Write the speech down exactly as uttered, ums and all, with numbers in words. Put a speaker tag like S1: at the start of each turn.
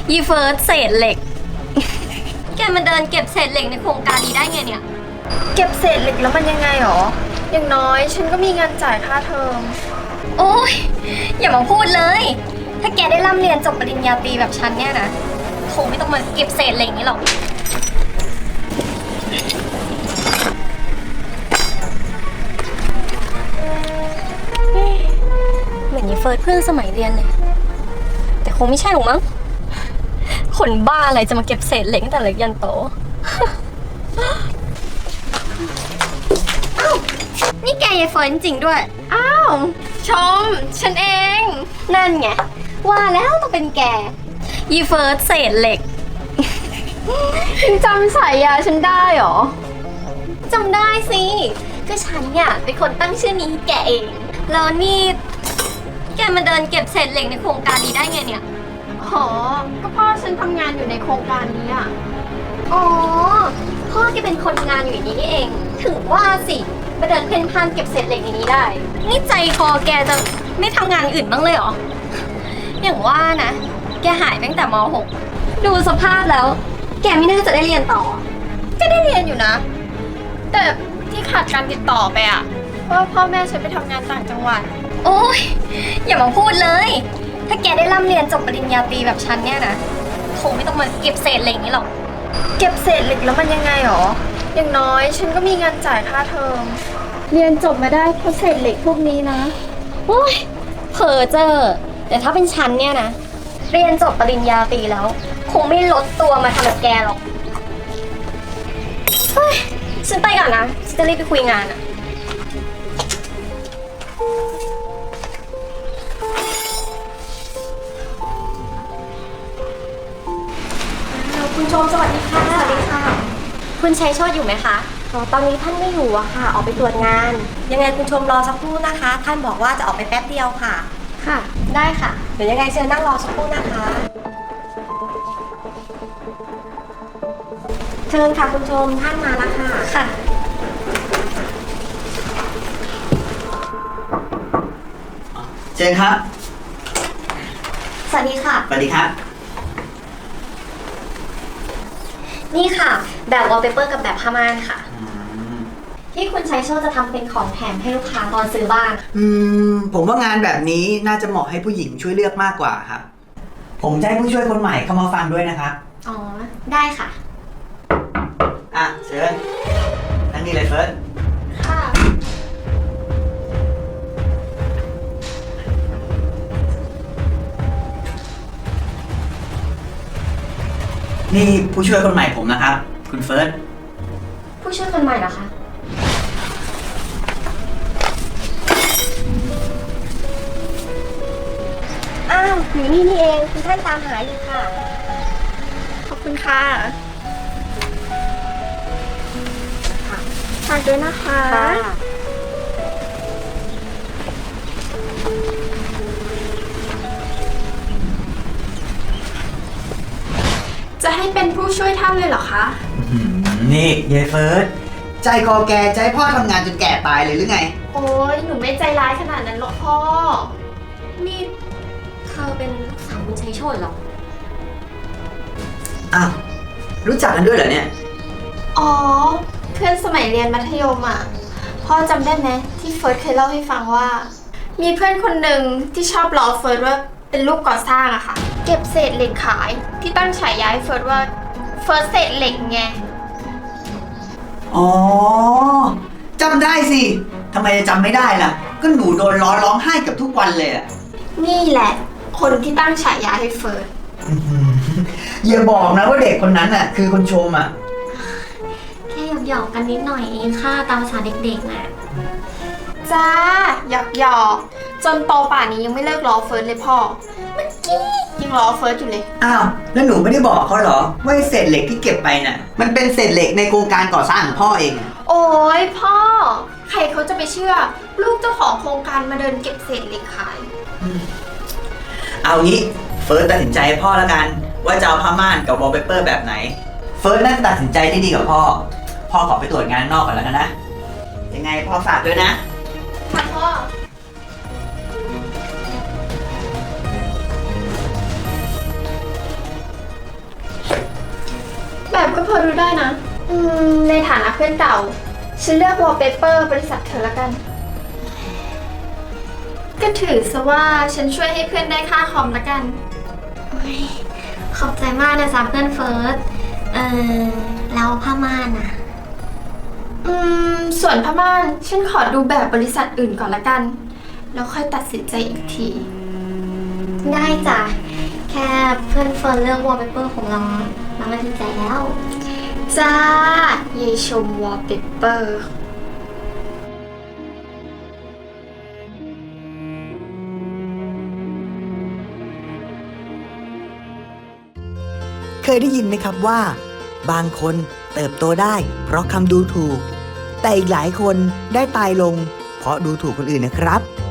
S1: ยีเฟิร์สเศษเหล็ก แกมันเดินเก็บเศษเหล็กในโครงการนี้ได้ไงเนี่ย
S2: เก็บเศษเหล็กแล้วมันยังไงหรออย่างน้อยฉันก็มีเงินจ่ายค่าเทอม
S1: โอ้ยอย่ามาพูดเลยถ้าแกได้ร่ำเรียนจบปริญญาตรีแบบฉันเนี่ยนะคงไม่ต้องมาเก็บเศษเหล็กนี้หรอกเหมือนยีเฟิร์สเพื่อนสมัยเรียนเลยแต่คงไม่ใช่หรอกมั้งคนบ้าอะไรจะมาเก็บเศษเหล็กตั้งแต่เล็กยันโตอ้าวนี่แกยายเฟิร์นจริงด้วยอ้าวชมฉันเองนั่นไงว่าแล้วต้องเป็นแกยีเฟิร์สเศษเหล็ก
S2: ยังจำสายยาฉันได้หรอ
S1: จำได้สิก็ฉันเนี่ยเป็นคนตั้งชื่อนี้แกเองแล้วนี่แกมาเดินเก็บเศษเหล็กในโครงการนี้ได้ไงเนี่ย
S2: อ๋อก็พ่อฉันทำงานอยู่ในโครงการนี้อ่ะ
S1: อ๋อพ่อแกเป็นคนงานอยู่อย่างนี้นี่เองถึงว่าสิมาเดินเพ่นพ่านเก็บเศษเหล็กในนี้ได้นี่ใจคอแกจะไม่ทำงานอื่นบ้างเลยเหรออย่างว่านะแกหายตั้งแต่ม หกดูสภาพแล้วแกไม่น่าจะได้เรียนต่อ
S2: ก็ได้เรียนอยู่นะแต่ที่ขาดการติดต่อไปอ่ะเพราะพ่อแม่ฉันไปทำงานต่างจังหวัด
S1: โอ้ยอย่ามาพูดเลยถ้าแกได้ร่ำเรียนจบปริญญาตรีแบบฉันเนี่ยนะคงไม่ต้องมาเก็บเศษเหล็กนี้หรอก
S2: เก็บเศษเหล็กแล้วมันยังไงหรออย่างน้อยฉันก็มีเงินจ่ายค่าเทอมเรียนจบมาได้เพราะเศษเหล็กพวกนี้นะ
S1: โอ้ยเพ้อเจ้อแต่ถ้าเป็นฉันเนี่ยนะเรียนจบปริญญาตรีแล้วคงไม่ลดตัวมาทำแบบแกหรอกเฮ้ยฉันไปก่อนนะฉันจะรีบไปคุยงานอะคุณชมสวัสดีค่ะสวัสดีค่ะคุณชัยโชติอยู่ไหมคะ
S3: อ๋อตอนนี้ท่านไม่อยู่อะค่ะออกไปตรวจงานยังไงคุณชมรอสักครู่นะคะท่านบอกว่าจะออกไปแป๊บเดียวค่ะ
S1: ค่ะได้ค่ะ
S3: เดี๋ยวยังไงเชิญนั่งรอสักครู่นะคะเชิญค่ะคุณชมท่านมาแล้วค่ะ
S1: ค่ะ
S4: เชิญครับ
S1: สวัสดีค่ะ
S4: สวัสดีครับ
S1: นี่ค่ะแบบวอลเปเปอร์กับแบบผ้าม่านค่ะที่คุณชัยโชติจะทำเป็นของแถมให้ลูกค้าตอนซื้อบ้าน
S4: อืมผมว่างานแบบนี้น่าจะเหมาะให้ผู้หญิงช่วยเลือกมากกว่าครับผมจะให้ผู้ช่วยคนใหม่เข้ามาฟังด้วยนะครับ
S1: อ๋อได้ค่ะ
S4: อ่ะเชิญนั่งนี่เลยเฟิร์ส
S1: ค่ะ
S4: นี่ผู้ช่วยคนใหม่ผมนะครับคุณเฟิร์ส
S1: ผู้ช่วยคนใหม่เหรอคะอ้าวอยู่นี่นี่เองคุณท่านตามหาอยู่ค่ะ
S2: ขอบคุณค่ะฝากด้วยนะคะจะให้เป็นผู้ช่วยท่านเลยเหรอคะ
S4: นี่ยายเฟิร์สใจคอแกใจพ่อทำงานจนแก่ตายเลยหรือไง
S2: โอ้ยหนูไม่ใจร้ายขนาดนั้นหรอกพ่อ
S1: นี่เธอเป็นลูกสาวคุณชัยโชติเหรอ
S4: อ้าวรู้จักกันด้วยเหรอเนี่ย
S2: อ๋อเพื่อนสมัยเรียนมัธยมอ่ะพ่อจำได้ไหมที่เฟิร์สเคยเล่าให้ฟังว่ามีเพื่อนคนหนึ่งที่ชอบล้อเฟิร์สว่าเป็นลูกก่อสร้างอะค่ะเก็บเศษเหล็กขายที่ตั้งฉายาให้เฟิร์สว่าเฟิร์สเศษเหล็กไง
S4: อ๋อจำได้สิทำไมจะจำไม่ได้ล่ะก็หนูโดนล้อร้องไห้กับทุกวันเลยอะ
S2: นี่แหละคนที่ตั้งฉายาให้เฟิร์ส
S4: อย่าบอกนะว่าเด็กคนนั้นน่ะคือคนชมอ่ะ
S1: แค่หยอกๆกันนิดหน่อยเองค่ะตามภาษาเด็กๆน่ะ
S2: จ้าหยอกหยอกจนโตป่านนี้ยังไม่เลิกล้อเฟิร์สเลยพ่อเมื่อกี้ยังล้อเฟิร์สอยู่เลย
S4: อ้าวแล้วหนูไม่ได้บอกเขาเหรอว่าเศษเหล็กที่เก็บไปน่ะมันเป็นเศษเหล็กในโครงการก่อสร้างของพ่อเอง
S2: โอ้ยพ่อใครเขาจะไปเชื่อลูกเจ้าของโครงการมาเดินเก็บเศษเหล็กขาย
S4: เอางี้เฟิร์สตัดสินใจให้พ่อแล้วกันว่าจะเอาผ้าม่านกับวอลเปเปอร์แบบไหนเฟิร์สน่าจะตัดสินใจได้ดีกับพ่อพ่อขอไปตรวจงานนอกก่อนแล้วกันนะยังไงพ่อฝากด้วยนะ
S2: ค่ะพ่อ
S1: พ
S2: พอรู้ได้นะ อืม ในฐานะเพื่อนเก่า ฉันเลือกวอลเปเปอร์บริษัทเธอละกัน ก็ถือซะว่าฉันช่วยให้เพื่อนได้ค่าคอมละกัน
S1: ขอบใจมากนะจ๊ะเพื่อนเฟิร์ส เออแล้วผ้าม่านอะ
S2: อืม ส่วนผ้าม่านฉันขอดูแบบบริษัทอื่นก่อนละกัน แล้วค่อยตัดสินใจอีกที
S1: ได้จ้ะ แค่เพื่อนเฟิร์นเลือกวอลเปเปอร์ของเราเราก็ดีใจแล้ว
S2: จ้า เยายชมวอลเปเปอร์
S5: เคยได้ยินไหมครับว่า บางคนเติบโตได้เพราะคำดูถูก แต่อีกหลายคนได้ตายลงเพราะดูถูกคนอื่นนะครับ